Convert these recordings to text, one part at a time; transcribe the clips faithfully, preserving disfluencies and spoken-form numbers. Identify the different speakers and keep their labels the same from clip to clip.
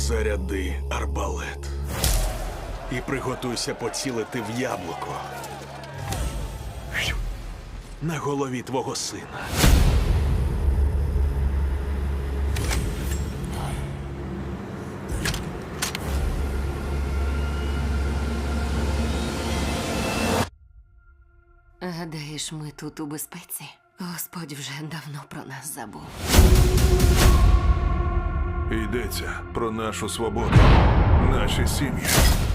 Speaker 1: Заряди арбалет. І приготуйся поцілити в яблуко. На голові твого сина.
Speaker 2: Гадаєш, ми тут у безпеці? Господь вже давно про нас забув.
Speaker 3: Йдеться про нашу свободу, наші сім'ї.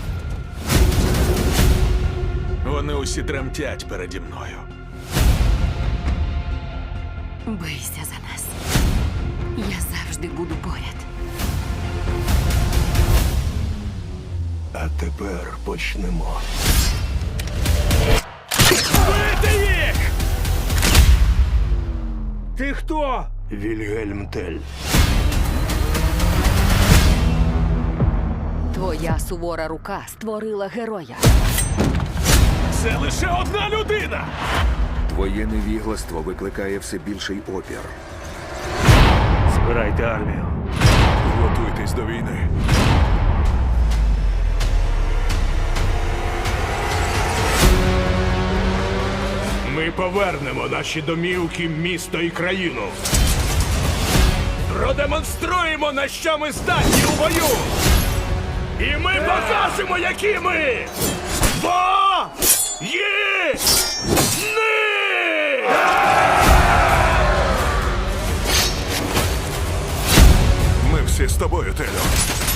Speaker 1: Вони усі тремтять переді мною.
Speaker 2: Бийся за нас. Я завжди буду поряд.
Speaker 4: А тепер почнемо.
Speaker 1: Бити їх!
Speaker 5: Ти хто?
Speaker 4: Вільгельм Тель.
Speaker 2: Твоя сувора рука створила героя.
Speaker 1: Це лише одна людина!
Speaker 6: Твоє невігластво викликає все більший опір.
Speaker 5: Збирайте армію.
Speaker 3: Готуйтесь до війни.
Speaker 5: Ми повернемо наші домівки, місто і країну. Продемонструємо, на що ми здатні у бою. І ми покажемо, які ми. Бо є ни!
Speaker 3: Ми всі з тобою, Телю.